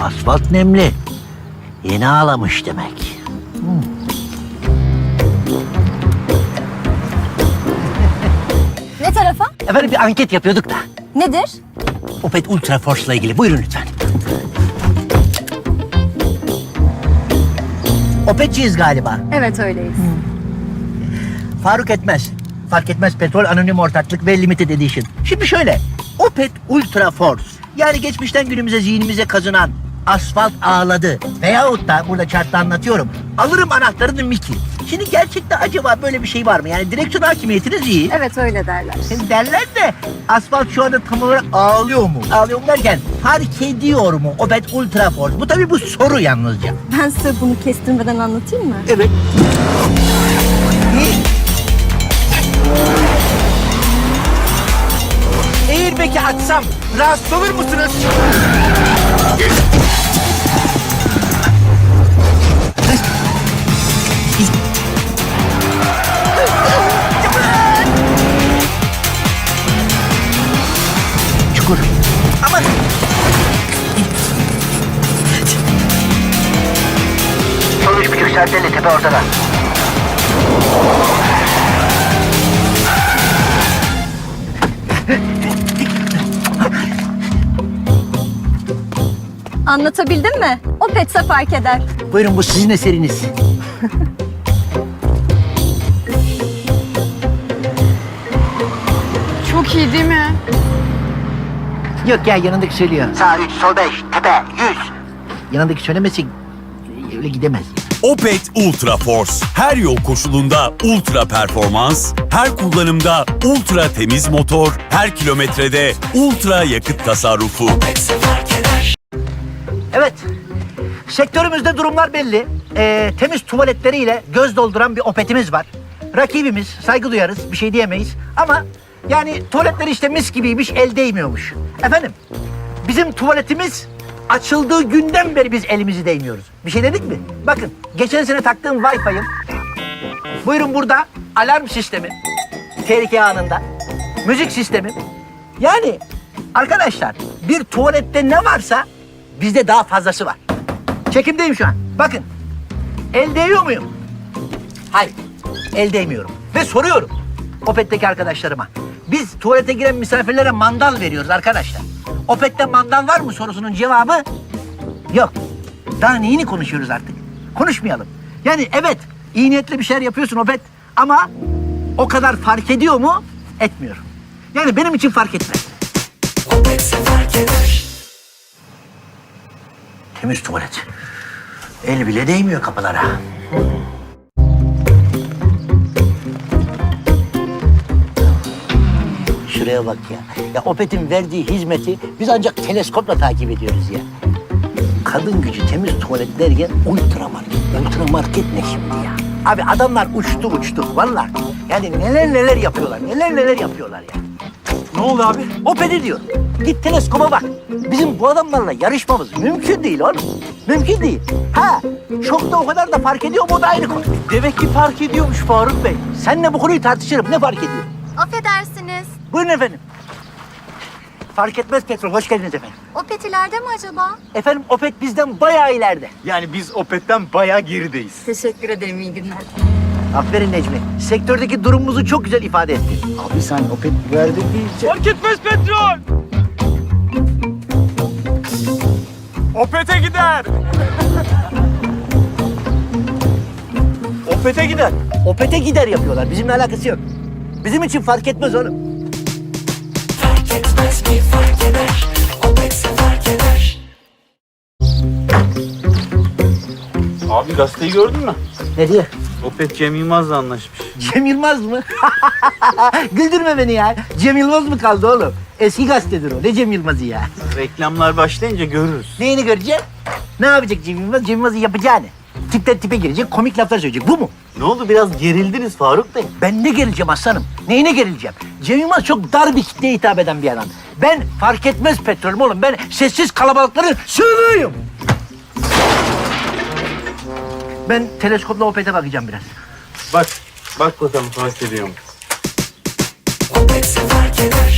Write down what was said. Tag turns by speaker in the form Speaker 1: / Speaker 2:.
Speaker 1: asfalt nemli. Yeni ağlamış demek.
Speaker 2: Ne tarafa?
Speaker 1: Efendim bir anket yapıyorduk da.
Speaker 2: Nedir?
Speaker 1: Opet Ultra Force'la ilgili. Buyurun lütfen. Opetçiyiz galiba.
Speaker 2: Evet öyleyiz.
Speaker 1: Fark etmez. Fark etmez petrol anonim ortaklık ve limited edition. Şimdi şöyle. Opet Ultra Force. Yani geçmişten günümüze zihnimize kazınan asfalt ağladı. Veyahut da burada chartta anlatıyorum. Alırım anahtarını Miki. Şimdi gerçekte acaba böyle bir şey var mı? Yani direksiyon hakimiyetiniz iyi.
Speaker 2: Evet öyle derler.
Speaker 1: Derler de asfalt şu anda tam olarak ağlıyor mu? Ağlıyor mu derken fark ediyor mu Opet Ultra Force? Bu tabii bu soru yalnızca.
Speaker 2: Ben size bunu kestirmeden anlatayım mı?
Speaker 1: Evet. Airbag'i açsam rahatsız olur musunuz? Çukur. Aman. Sol 3,5 serteli tepe ortada.
Speaker 2: Anlatabildim mi? O petse fark eder.
Speaker 1: Buyurun bu sizin eseriniz.
Speaker 3: Çok iyi değil mi?
Speaker 1: Yok ya yanındaki söylüyor. Sağ 3, sol 5, tepe 100. Yanındaki söylemesi öyle gidemez.
Speaker 4: Opet Ultra Force. Her yol koşulunda ultra performans, her kullanımda ultra temiz motor, her kilometrede ultra yakıt tasarrufu.
Speaker 1: Evet. Sektörümüzde durumlar belli. Temiz tuvaletleriyle göz dolduran bir Opet'imiz var. Rakibimiz, saygı duyarız, bir şey diyemeyiz. Ama yani tuvaletleri işte mis gibiymiş, el değmiyormuş. Efendim, bizim tuvaletimiz açıldığı günden beri biz elimizi değmiyoruz. Bir şey dedik mi? Bakın, geçen sene taktığım Wi-Fi'im. Buyurun burada alarm sistemi. Tehlike anında. Müzik sistemi. Yani arkadaşlar bir tuvalette ne varsa bizde daha fazlası var. Çekimdeyim şu an. Bakın. El değiyor muyum? Hayır. El değmiyorum. Ve soruyorum Opet'teki arkadaşlarıma. Biz tuvalete giren misafirlere mandal veriyoruz arkadaşlar. Opet'te mandal var mı sorusunun cevabı yok. Daha neyini konuşuyoruz artık? Konuşmayalım. Yani evet iyi niyetli bir şeyler yapıyorsun Opet ama o kadar fark ediyor mu? Etmiyor. Yani benim için fark etmez. Opet'se fark eder. Temiz tuvalet. El bile değmiyor kapılara. Şuraya bak ya. Ya Opet'in verdiği hizmeti biz ancak teleskopla takip ediyoruz ya. Kadın gücü temiz tuvalet derken ultramarket. Ultramarket ne şimdi ya? Abi adamlar uçtu vallahi. Yani neler yapıyorlar. Neler yapıyorlar ya.
Speaker 5: Ne oldu abi?
Speaker 1: Opet'i diyor. Git teleskopa bak. Bizim bu adamlarla yarışmamız mümkün değil oğlum. Mümkün değil. Ha, çok da o kadar da fark ediyor mu o da ayrı konu.
Speaker 5: Demek ki fark ediyormuş Faruk Bey.
Speaker 1: Seninle bu konuyu tartışırım. Ne fark ediyor?
Speaker 6: Affedersiniz.
Speaker 1: Buyurun efendim. Fark etmez petrol. Hoş geldiniz efendim.
Speaker 6: Opet ileride mi acaba?
Speaker 1: Efendim Opet bizden bayağı ileride.
Speaker 5: Yani biz Opet'ten bayağı gerideyiz.
Speaker 2: Teşekkür ederim, iyi günler.
Speaker 1: Aferin Necmi. Sektördeki durumumuzu çok güzel ifade ettin.
Speaker 5: Abi sen Opet verdi diyeceksin.
Speaker 7: Fark etmez petrol. Opet'e gider.
Speaker 1: Opet'e gider. Opet'e gider yapıyorlar. Bizimle alakası yok. Bizim için fark etmez oğlum. Fark etmez mi fark eder. Opet'se fark eder.
Speaker 5: Abi gazeteyi gördün mü?
Speaker 1: Ne diyor?
Speaker 5: Opet Cem Yılmaz'la anlaşmış.
Speaker 1: Cem Yılmaz mı? Güldürme beni ya. Cem Yılmaz mı kaldı oğlum? Eski gazetedir o. Ne Cem Yılmaz'ı ya?
Speaker 5: Reklamlar başlayınca görürüz.
Speaker 1: Neyini görecek? Ne yapacak Cem Yılmaz? Cem Yılmaz'ın yapacağını. Tipten tipe girecek, komik laflar söyleyecek. Bu mu?
Speaker 5: Ne oldu biraz gerildiniz Faruk Bey?
Speaker 1: Ben ne gerileceğim aslanım? Neyine gerileceğim? Cem Yılmaz çok dar bir kitleye hitap eden bir adam. Ben fark etmez petrolüm oğlum. Ben sessiz kalabalıkların sığınığıyım. Ben teleskopla Opet'e bakacağım biraz.
Speaker 5: Bak bakalım fark ediyor mu?
Speaker 1: Opet'se fark eder.